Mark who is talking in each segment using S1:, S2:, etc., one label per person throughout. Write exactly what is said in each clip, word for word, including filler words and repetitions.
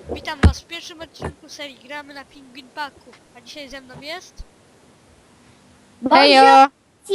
S1: Witam was w pierwszym odcinku serii Gramy na Penguin Packu. A dzisiaj ze mną jest...
S2: Hejo!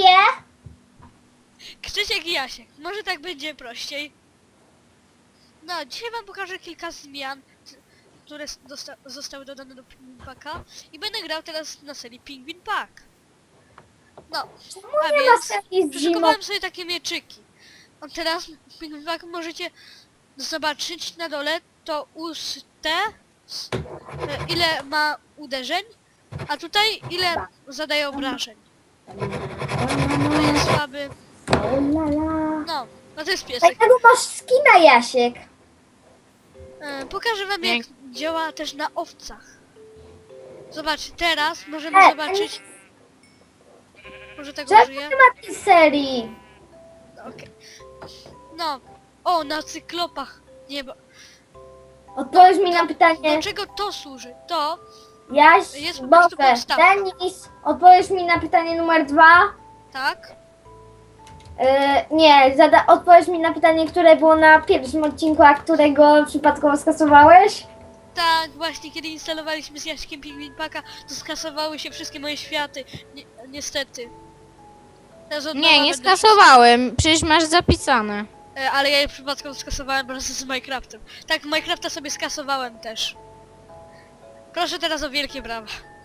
S1: Krzysiek i Jasiek. Może tak będzie prościej. No, dzisiaj wam pokażę kilka zmian, które zosta zostały dodane do Penguin Packa. I będę grał teraz na serii Penguin Pack. No, a
S2: nie ma
S1: więc
S2: serii z
S1: przyszykowałem sobie takie mieczyki. O, teraz w Penguin Pack możecie zobaczyć na dole to ustę, ile ma uderzeń, a tutaj ile zadaje obrażeń. To jest słaby. No, no to jest piesek.
S2: Jakiego masz skina, Jasiek?
S1: E, pokażę wam jak działa też na owcach. Zobaczcie, teraz możemy
S2: E,
S1: zobaczyć... Może tego
S2: Czemu
S1: użyję?
S2: nie ma tej serii?
S1: No, okej. No, o, na cyklopach. Nie, bo...
S2: Odpowiedz mi na pytanie.
S1: Do czego to służy? To
S2: Jaś,
S1: jest po prostu
S2: Boże,
S1: podstawka.
S2: Denis, odpowiedz mi na pytanie numer dwa.
S1: Tak?
S2: Yy, nie, zada, odpowiedz mi na pytanie, które było na pierwszym odcinku, a którego przypadkowo skasowałeś.
S1: Tak, właśnie kiedy instalowaliśmy z Jaśkiem Penguin Packa, to skasowały się wszystkie moje światy. Ni niestety. Teraz od nowa
S3: Nie, nie
S1: będę
S3: skasowałem, przecież masz zapisane.
S1: E, ale ja je przypadkowo skasowałem wraz z Minecraftem. Tak, Minecrafta sobie skasowałem też. Proszę teraz o wielkie brawa.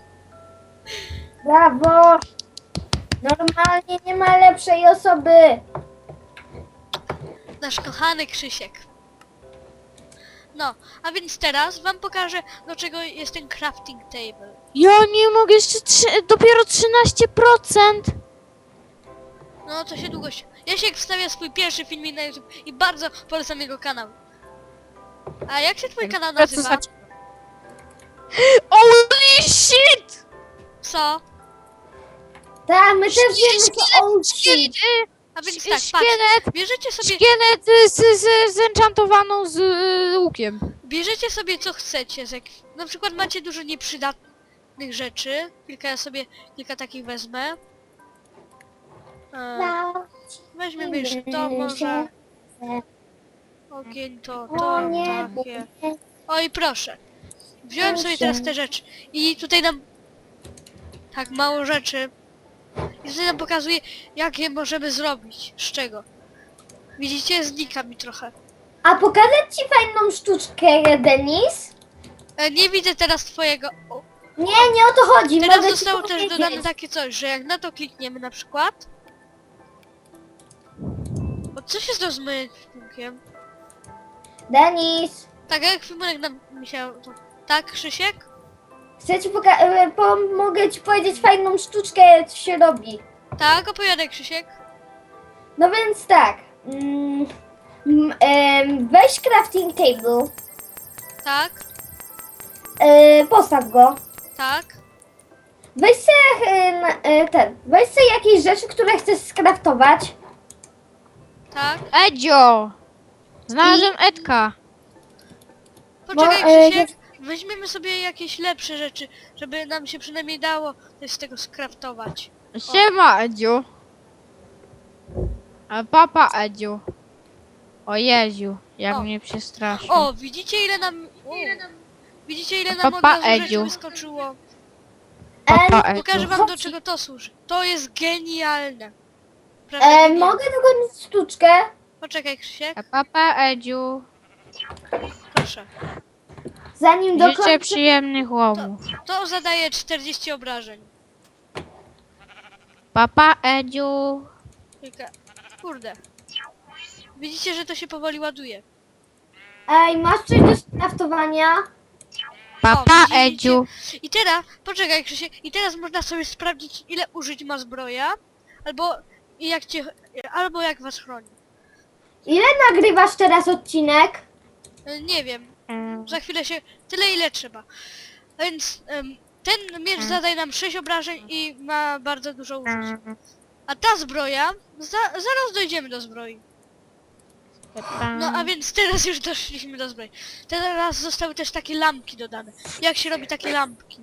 S2: Brawo! Normalnie nie ma lepszej osoby.
S1: Nasz kochany Krzysiek. No, a więc teraz wam pokażę, do czego jest ten crafting table.
S3: Ja nie mogę, jeszcze trzy, dopiero trzynaście procent.
S1: No, to się długo się... Jasiek wstawia swój pierwszy filmik na YouTube i bardzo polecam jego kanał. A jak się twój kanał nazywa?
S3: Holy shit!
S1: Co?
S2: Tak, my też wiemy, co on
S3: Szkielet,
S1: A więc
S3: Sz-
S1: tak, patrz.
S3: szkielet,
S1: Bierzecie sobie...
S3: szkielet y, z, z, z enchantowaną z y, łukiem.
S1: Bierzecie sobie co chcecie, z jak... na przykład macie dużo nieprzydatnych rzeczy, kilka ja sobie, kilka takich wezmę. E, weźmiemy jeszcze to może, ogień to, to, takie. Oj proszę, wziąłem sobie teraz te rzeczy i tutaj nam, tak mało rzeczy, i tutaj nam pokazuje jak je możemy zrobić, z czego. Widzicie, znika mi trochę.
S2: A pokazać ci fajną sztuczkę, Denis?
S1: E, nie widzę teraz twojego... O,
S2: Nie, nie o to chodzi.
S1: teraz
S2: mogę ci
S1: zostało też
S2: powiedzieć.
S1: dodane takie coś, że jak na to klikniemy na przykład... Bo co się stało z moim ekwipunkiem?
S2: Denis,
S1: Tak, jak ekwipunek nam mi się... To... Tak, Krzysiek?
S2: chcę ci poka- e, pomogę ci powiedzieć fajną sztuczkę, co się robi.
S1: Tak, opowiadaj Krzysiek.
S2: No więc tak. Mm, mm, em, weź crafting table,
S1: Tak,
S2: e, postaw go.
S1: tak,
S2: Weź sobie e, na- e, ten, weź sobie jakieś rzeczy, które chcesz skraftować.
S1: tak.
S3: Edzio! Znalazłem Edka.
S1: Poczekaj
S2: Bo, e,
S1: Krzysiek, weźmiemy sobie jakieś lepsze rzeczy, żeby nam się przynajmniej dało coś z tego skraftować.
S3: Siema Edziu. A papa Edziu. O Jeziu, jak
S1: O.
S3: mnie przestraszył.
S1: O, widzicie ile nam... O, widzicie ile nam od
S3: Papa
S1: razu rzeczy
S3: Edziu.
S1: wyskoczyło?
S3: Papa
S2: E,
S1: Pokażę
S3: Edziu.
S1: wam do czego to służy. To jest genialne.
S2: e,
S1: Prawda?
S2: mogę dogonić sztuczkę?
S1: Poczekaj Krzysiek,
S3: A papa Edziu.
S1: proszę.
S2: Zanim
S3: Życzę
S2: dokończę.
S3: przyjemnych łowów.
S1: To zadaje czterdzieści obrażeń.
S3: Papa Edziu.
S1: Kilka... Kurde. Widzicie, że to się powoli ładuje.
S2: Ej, masz coś do skraftowania?
S3: Papa
S1: widzicie?
S3: Edziu.
S1: I teraz, poczekaj Krzysiek, i teraz można sobie sprawdzić ile użyć ma zbroja, albo jak cię, albo jak was chroni.
S2: Ile nagrywasz teraz odcinek?
S1: E, Nie wiem,
S3: Mm.
S1: za chwilę się, tyle ile trzeba. A więc em, ten miecz zadaje nam sześć obrażeń i ma bardzo dużo użyć. A ta zbroja, za, zaraz dojdziemy do zbroi. No a więc teraz już doszliśmy do zbroi. Teraz zostały też takie lampki dodane. Jak się robi takie lampki?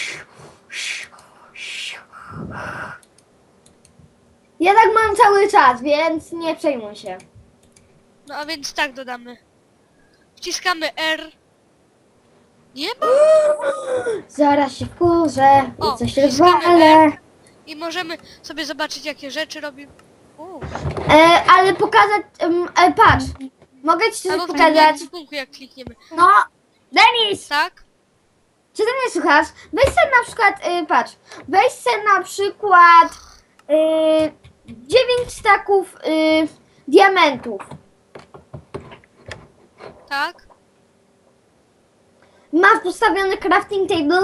S2: Ja tak mam cały czas, więc nie przejmuj się.
S1: No a więc tak dodamy. Wciskamy R Nie ma?
S2: Zaraz się wkurzę
S1: O,
S2: i coś
S1: wciskamy
S2: rozwalę.
S1: I możemy sobie zobaczyć, jakie rzeczy robi. U,
S2: E, ale pokazać... em, e, patrz. Mogę ci coś
S1: albo w
S2: pokazać?
S1: tym punktu, jak klikniemy.
S2: No, Denis!
S1: Tak?
S2: Czy ty mnie słuchasz? Weź sobie na przykład, y, patrz, weź sobie na przykład y, dziewięć staków y, diamentów.
S1: Tak?
S2: Masz postawiony crafting table?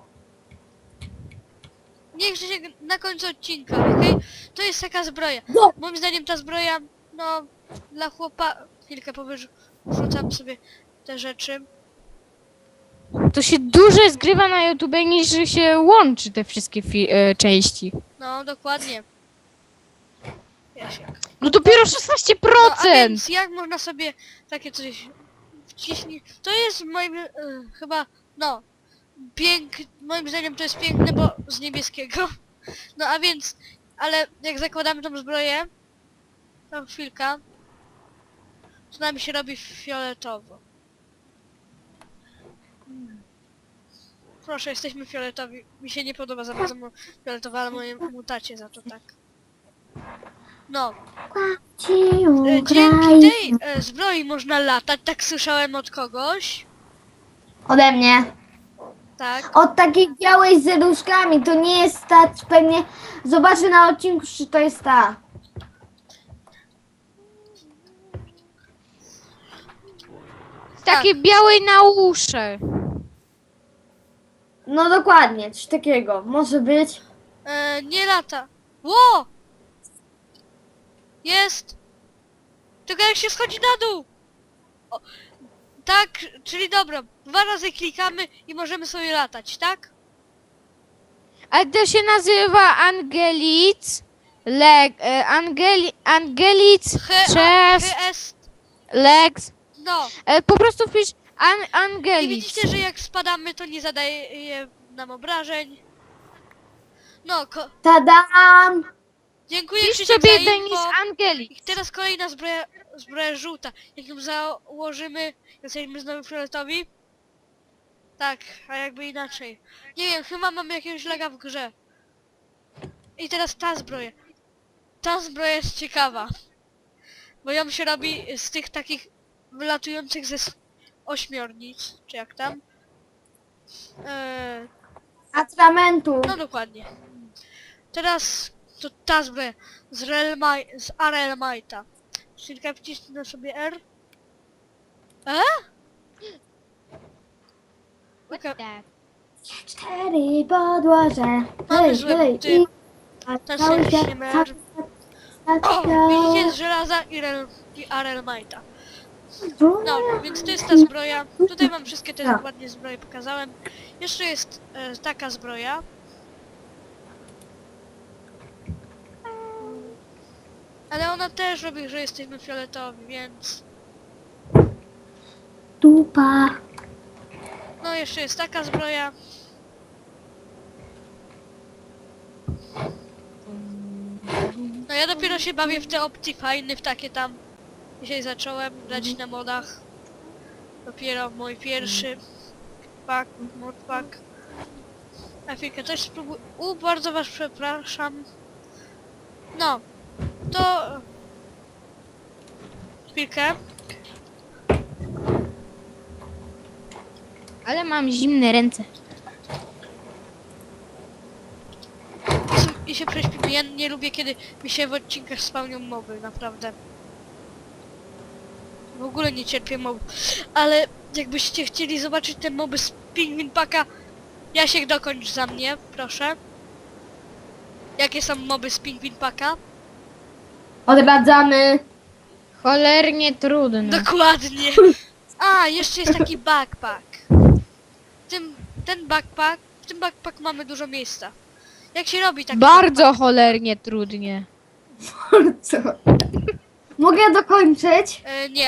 S1: Niech się na końcu odcinka, okej? To jest taka zbroja.
S2: No.
S1: Moim zdaniem ta zbroja, no, dla chłopa... Chwilkę powyrzucam sobie te rzeczy.
S3: To się dłużej zgrywa na YouTube niż się łączy te wszystkie fi- e, części.
S1: No, dokładnie. Jasiek.
S3: No dopiero szesnaście
S1: No, a
S3: procent!
S1: więc jak można sobie takie coś wciśnić? To jest moim e, chyba, no, pięk, moim zdaniem to jest piękne, bo z niebieskiego. No a więc, ale jak zakładamy tą zbroję, to chwilka, to nam się robi fioletowo. Proszę, jesteśmy fioletowi. Mi się nie podoba za bardzo mo- fioletowa, ale moje mutacie za to tak. No,
S2: Ci
S1: e, dzięki
S2: ukraj
S1: tej e, zbroi można latać, tak słyszałem od kogoś.
S2: ode mnie.
S1: Tak.
S2: Od takiej białej z różkami, to nie jest ta, pewnie zobaczę na odcinku, czy to jest ta.
S3: Takiej białej na uszy.
S2: No dokładnie, coś takiego, może być.
S1: E, nie lata. Ło! Jest! Tylko jak się schodzi na dół! O, tak, czyli dobra, dwa razy klikamy i możemy sobie latać, tak?
S3: Ale to się nazywa Angelic, leg, e, Angeli, Angelic,
S1: He, a,
S3: chest,
S1: he est,
S3: legs.
S1: no.
S3: E, po prostu wpisz an,
S1: I
S3: Angelic.
S1: widzicie, że jak spadamy, to nie zadaje nam obrażeń. No, ko
S2: Tadam!
S1: dziękuję
S3: Wpisz
S1: Krzysiek
S3: sobie
S1: za
S3: Denis
S1: info.
S3: Angelic.
S1: I teraz kolejna zbroja, zbroja żółta. Jak ją założymy, jesteśmy znowu fioletowi? Tak, a jakby inaczej. Nie wiem, chyba mamy jakiegoś laga w grze. I teraz ta zbroja. Ta zbroja jest ciekawa. Bo ją się robi z tych takich wylatujących ze s- ośmiornic, czy jak tam. Eee,
S2: Atramentu.
S1: no dokładnie. Teraz to ta zbroja z, Relmaj, z Arelmajta. Chwilkę wcisnę sobie R. E? Okej.
S2: Cztery podłoże.
S1: Mamy
S2: Hej,
S1: złe
S2: hej,
S1: buty.
S2: i...
S1: Teraz
S2: cały
S1: sobie
S2: świat,
S1: wciśniemy
S2: cały
S1: R.
S2: świat,
S1: O!
S2: cały
S1: Widzicie z
S2: świat.
S1: żelaza i, Rel, i Arelmajta. No, więc to jest ta zbroja. Tutaj wam wszystkie te
S2: Tak.
S1: ładnie zbroje pokazałem. Jeszcze jest e, taka zbroja. Ale ona też robi, że jesteśmy fioletowi, więc...
S2: Dupa.
S1: No, jeszcze jest taka zbroja. No ja dopiero się bawię w te Optifine, w takie tam. Dzisiaj zacząłem grać na modach. Dopiero mój pierwszy pack, modpack. A chwilkę, też spróbuj... U, bardzo was przepraszam. No, to... Chwilkę.
S3: Ale mam zimne ręce.
S1: I się prześpimy. Ja nie lubię, kiedy mi się w odcinkach spełnią mowy, naprawdę. W ogóle nie cierpię mob. Ale jakbyście chcieli zobaczyć te moby z Pingwin Packa, Jasiek, dokończ za mnie, proszę. Jakie są moby z Pingwin Packa?
S2: Odradzamy.
S3: Cholernie trudno.
S1: Dokładnie. A, jeszcze jest taki backpack. W tym, ten backpack, w tym backpack mamy dużo miejsca. Jak się robi taki
S3: Bardzo cholernie trudnie.
S2: Co? Mogę dokończyć?
S1: E, nie.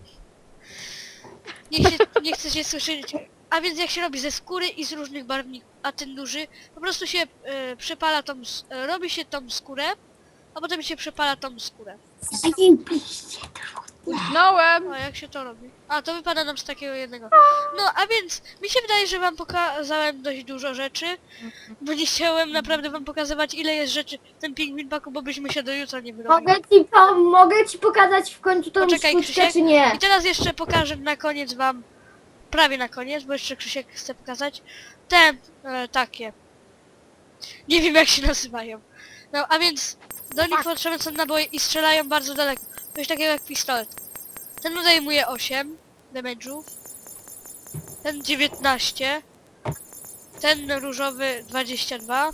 S1: Nie, się, nie chcę się słyszeć. A więc jak się robi ze skóry i z różnych barwników, a ten duży, po prostu się e, przepala tą, s- e, robi się tą skórę, a potem się przepala tą skórę.
S2: Zajebiście trudno.
S3: Utknąłem.
S1: A jak się to robi? A, to wypada nam z takiego jednego. No, a więc mi się wydaje, że wam pokazałem dość dużo rzeczy, bo nie chciałem naprawdę wam pokazywać, ile jest rzeczy w tym pingwin paku, bo byśmy się do jutra nie wyrobili.
S2: Mogę ci, po, mogę ci pokazać w końcu tą
S1: Poczekaj,
S2: sztuczkę,
S1: Krzysiek.
S2: czy nie?
S1: I teraz jeszcze pokażę na koniec wam, prawie na koniec, bo jeszcze Krzysiek chce pokazać, te e, takie. Nie wiem jak się nazywają. No, a więc do nich potrzebne są naboje i strzelają bardzo daleko. Coś takiego jak pistolet. Ten odejmuje osiem damage'ów. Ten dziewiętnaście. Ten różowy dwadzieścia dwa.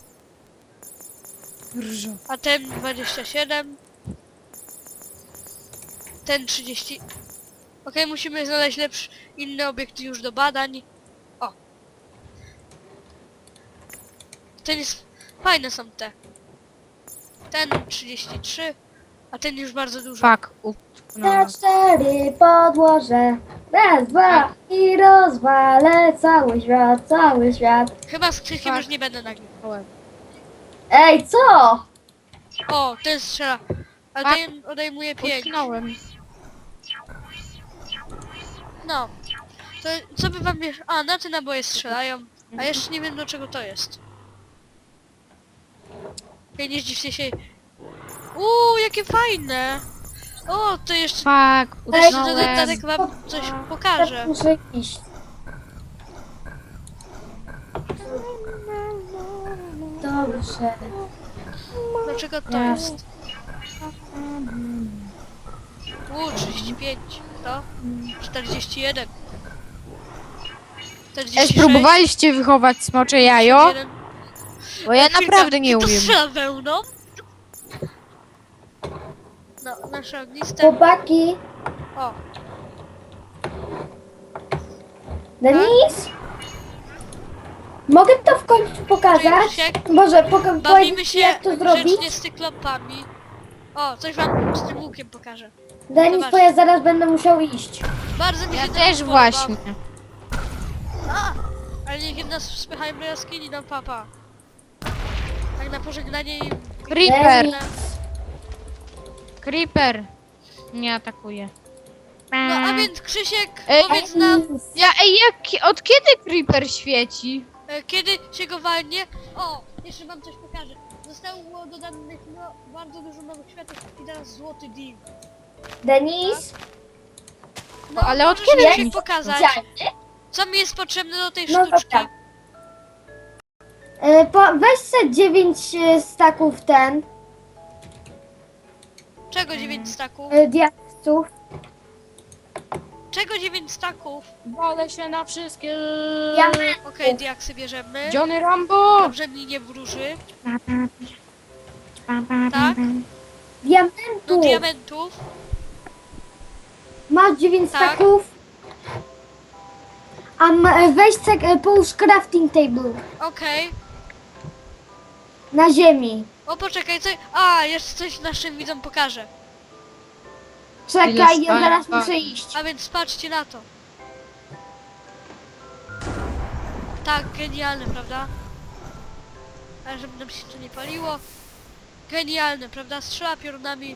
S3: Różo.
S1: A ten dwadzieścia siedem. Ten trzydzieści. Okej, musimy znaleźć lepszy, inny obiekt już do badań. O! Ten jest... Fajne są te. Ten trzydzieści trzy. A ten już bardzo dużo.
S3: Fuck, utknąłem.
S2: Na cztery podłożę. Raz, dwa i rozwalę cały świat, cały świat.
S1: Chyba z Krzyśkiem
S3: Tak.
S1: już nie będę nagrywał.
S2: Ej, co?
S1: O, ten strzela. A
S3: Tak.
S1: ten odejmuje pięć.
S3: Utknąłem.
S1: No. To co by wam jeszcze... A, na te naboje strzelają. A jeszcze nie wiem do czego to jest. Ej, nie zdziwcie się. Uuu, jakie fajne! O, to jeszcze...
S3: Fuck,
S1: To jeszcze
S3: utknąłem.
S1: dodatek wam coś pokażę.
S2: Muszę iść. Dobrze.
S1: Dlaczego to jest? Uuu, trzydzieści pięć. To? czterdzieści jeden. czterdzieści
S3: Ej,
S1: sześć.
S3: spróbowaliście wychować smocze jajo?
S1: czterdzieści jeden.
S3: Bo ja
S1: Kilka-
S3: naprawdę nie
S1: To
S3: umiem.
S1: strzela wełną. No, nasze ogniste.
S2: Chłopaki,
S1: O,
S2: Denis? Mogę to w końcu pokazać?
S1: Krzysiek,
S2: Może poka-
S1: bawimy
S2: powiedzieć
S1: się
S2: ci, jak to zrobić?
S1: grzecznie z cyklopami. O, coś wam z tym łukiem pokażę.
S2: Denis,
S1: Zobacz.
S2: bo ja zaraz będę musiał iść.
S1: Bardzo mi
S3: Ja
S1: się to
S3: też
S1: podoba.
S3: właśnie.
S1: A, ale niech nas spychają do jaskini, no papa. Tak na pożegnanie i...
S3: Creeper,
S2: Denis.
S3: creeper. Nie atakuje.
S1: No a więc Krzysiek,
S3: Ej,
S1: powiedz nam,
S3: Ja, ej, jak, od kiedy creeper świeci?
S1: e, kiedy się go walnie. O, jeszcze wam coś pokażę. Zostało dodanych no, bardzo dużo nowych światów i teraz złoty dim.
S2: Denis?
S1: No,
S3: ale od
S1: możesz
S3: kiedy
S1: Krzysiek
S3: mi-
S1: pokazać,
S2: Widziałeś?
S1: co mi jest potrzebne do tej
S2: No
S1: sztuczki.
S2: dobra. E, po, weź se dziewięć e, staków ten,
S1: Czego dziewięć staków?
S2: e, diaksów.
S1: Czego dziewięć staków?
S3: Walę się na wszystkie.
S2: Diament.
S1: Okej, diaksy bierzemy.
S3: Johnny Rambo!
S1: Dobrze mi nie wróży. Tak? No
S2: Diamentu.
S1: diamentów.
S2: Masz dziewięć
S1: Tak.
S2: staków. A ma, e, weź se, e, połóż crafting table
S1: Okej.
S2: na ziemi.
S1: O poczekaj, co... A, jeszcze coś naszym widzom pokażę.
S2: Czekaj,
S3: Ile
S2: ja zaraz
S3: stań-
S2: muszę iść.
S1: A więc patrzcie na to. Tak, genialne, prawda? Ale żeby nam się to nie paliło. Genialne, prawda? Strzela piorunami.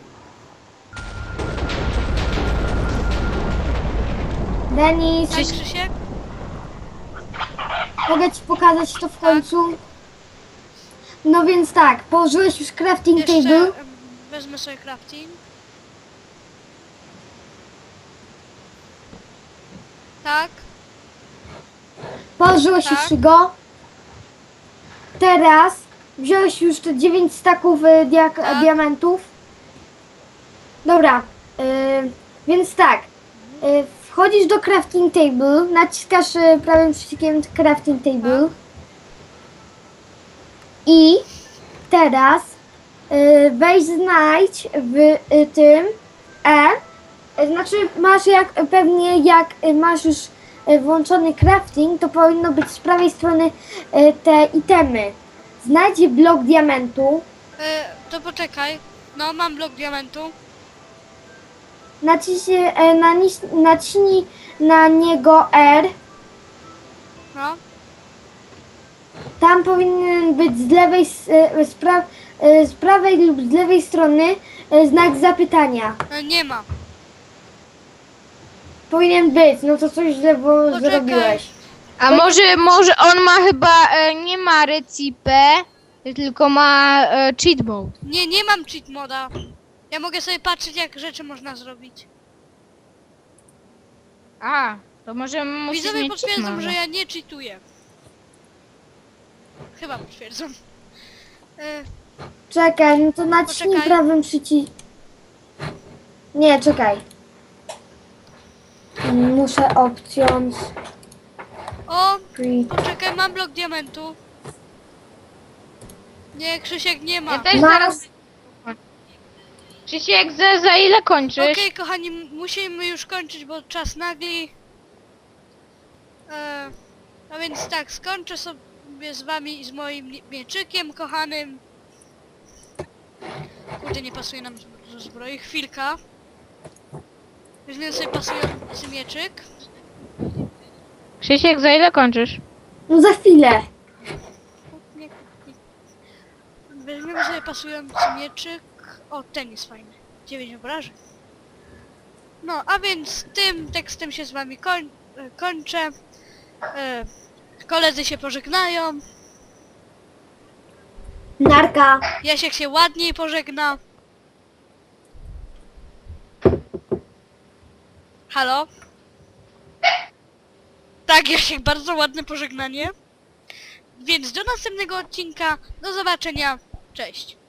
S2: Denis,
S1: Tak, Krzysiek?
S2: mogę ci pokazać to w końcu? No więc tak, położyłeś już crafting
S1: Jeszcze
S2: table.
S1: em, wezmę sobie crafting. Tak,
S2: Położyłeś
S1: Tak.
S2: już go. Teraz wziąłeś już te dziewięć staków y, diak-
S1: Tak.
S2: diamentów. Dobra, y, więc tak. Y, wchodzisz do crafting table, naciskasz y, prawym przyciskiem crafting table.
S1: Tak.
S2: I teraz y, weź znajdź w y, tym E. Y, Znaczy masz jak pewnie jak y, masz już y, włączony crafting, to powinno być z prawej strony y, te itemy. Znajdź blok diamentu,
S1: e, to poczekaj. No, mam blok diamentu.
S2: naciśnij, y, naciś- naciśnij na niego R.
S1: No,
S2: Tam powinien być z lewej, s- y, z, pra, y, z prawej lub z lewej strony y, znak zapytania.
S1: e, nie ma.
S2: powinien być, no to coś źle bo
S1: Poczekaj.
S2: zrobiłeś.
S3: A może, może on ma chyba, e, nie ma recipę, tylko ma e, cheat mode.
S1: Nie, nie mam cheat moda. Ja mogę sobie patrzeć, jak rzeczy można zrobić.
S3: A, to może musisz
S1: Widzowie
S3: mieć cheat
S1: potwierdzą,
S3: mode.
S1: że ja nie cheatuję. Chyba potwierdzą. E,
S2: Czekaj, no to naciśnij
S1: Poczekaj.
S2: prawym przyciskiem. Nie, czekaj. Muszę options.
S1: o,
S2: Free.
S1: poczekaj, mam blok diamentu. Nie, Krzysiek nie ma.
S3: Ja też
S2: Masz-
S3: zaraz... Krzysiek, za, za ile kończysz?
S1: Okej, kochani, m- musimy już kończyć, bo czas nagli. E, a więc tak, skończę sobie z wami i z moim li- mieczykiem kochanym. Kurde, nie pasuje nam z- do zbroi. Chwilka. Weźmiemy sobie pasujący mieczyk.
S3: Krzysiek, za ile kończysz?
S2: No za chwilę.
S1: Nie, nie. Weźmiemy sobie pasujący mieczyk. O, ten jest fajny. dziewięć obrażeń. No, a więc tym tekstem się z wami koń e, kończę. E, koledzy się pożegnają.
S2: Narka.
S1: Jasiek się ładniej pożegna. Halo? Tak, Jasiek, bardzo ładne pożegnanie. Więc do następnego odcinka. Do zobaczenia. Cześć.